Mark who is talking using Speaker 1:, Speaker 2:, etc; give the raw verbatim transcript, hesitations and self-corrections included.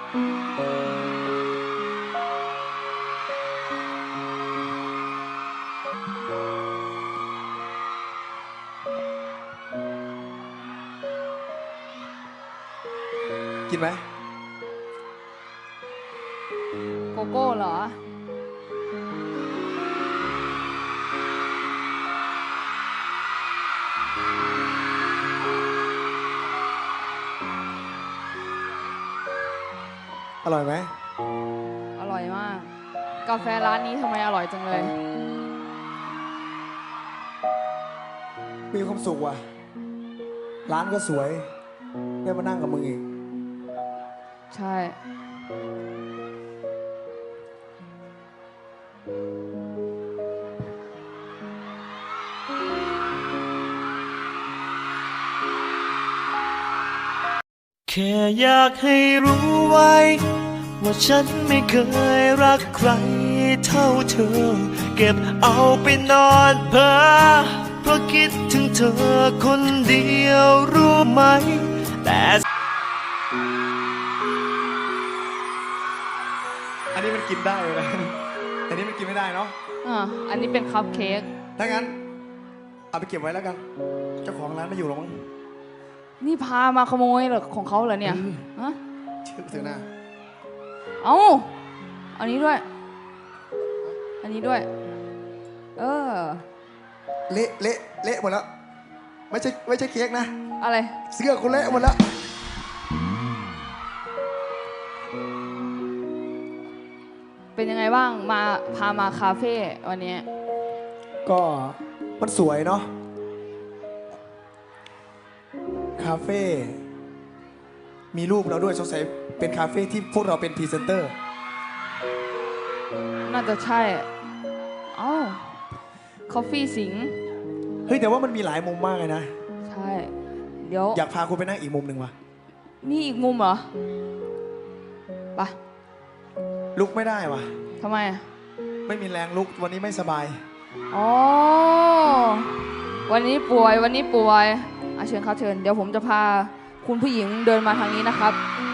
Speaker 1: กินไหม
Speaker 2: โกโก้เหรอ
Speaker 1: อร่อยไหม
Speaker 2: อร่อยมากกาแฟร้านนี้ทำไมอร่อยจังเลย
Speaker 1: มีความสุขว่ะร้านก็สวยได้มานั่งกับมึงอีก
Speaker 2: ใช่
Speaker 3: แค่อยากให้รู้ไว้ว่าฉันไม่เคยรักใครเท่าเธอเก็บเอาไปนอนเพ้อเพราะคิดถึงเธอคนเดียวรู้ไหมแต่
Speaker 1: อันนี้มันกินได้เลยนะแต่นี้มันกินไม่ได้เนาะ
Speaker 2: อ่าอันนี้เป็นคัพเค้ก
Speaker 1: ถ้างั้นเอาไปเก็บไว้แล้วกันเจ้าของร้านไม่อยู่หรอกมั้ง
Speaker 2: นี่พามาขโมยเหรอของเขาเหรอเนี่ยฮะ
Speaker 1: ชื่อเสือหน้า
Speaker 2: เอาอันนี้ด้วยอันนี้ด้วยเออ
Speaker 1: เละเละเละหมดแล้วไม่ใช่ไม่ใช่เค้กนะ
Speaker 2: อะไร
Speaker 1: เสื้อคุณเละหมดแล้ว
Speaker 2: เป็นยังไงบ้างมาพามาคาเฟ่วันนี้
Speaker 1: ก็มันสวยเนาะคาเฟ่มีรูปเราด้วยสงสัยเป็นคาเฟ่ที่พวกเราเป็นพรีเซนเตอร์
Speaker 2: น่าจะใช่เอ้าคอฟฟี่สิง
Speaker 1: เฮ้ยแต่ว่ามันมีหลายมุมมากเลยนะ
Speaker 2: ใช่เดี๋ยว
Speaker 1: อยากพาคุณไปนั่งอีกมุมหนึ่งว่ะ
Speaker 2: นี่อีกมุมเหรอไป
Speaker 1: ลุกไม่ได้ว่ะ
Speaker 2: ทำไม
Speaker 1: ไม่มีแรงลุกวันนี้ไม่สบาย
Speaker 2: อ๋อวันนี้ป่วยวันนี้ป่วยอาเชิญครับเชิญเดี๋ยวผมจะพาคุณผู้หญิงเดินมาทางนี้นะครับ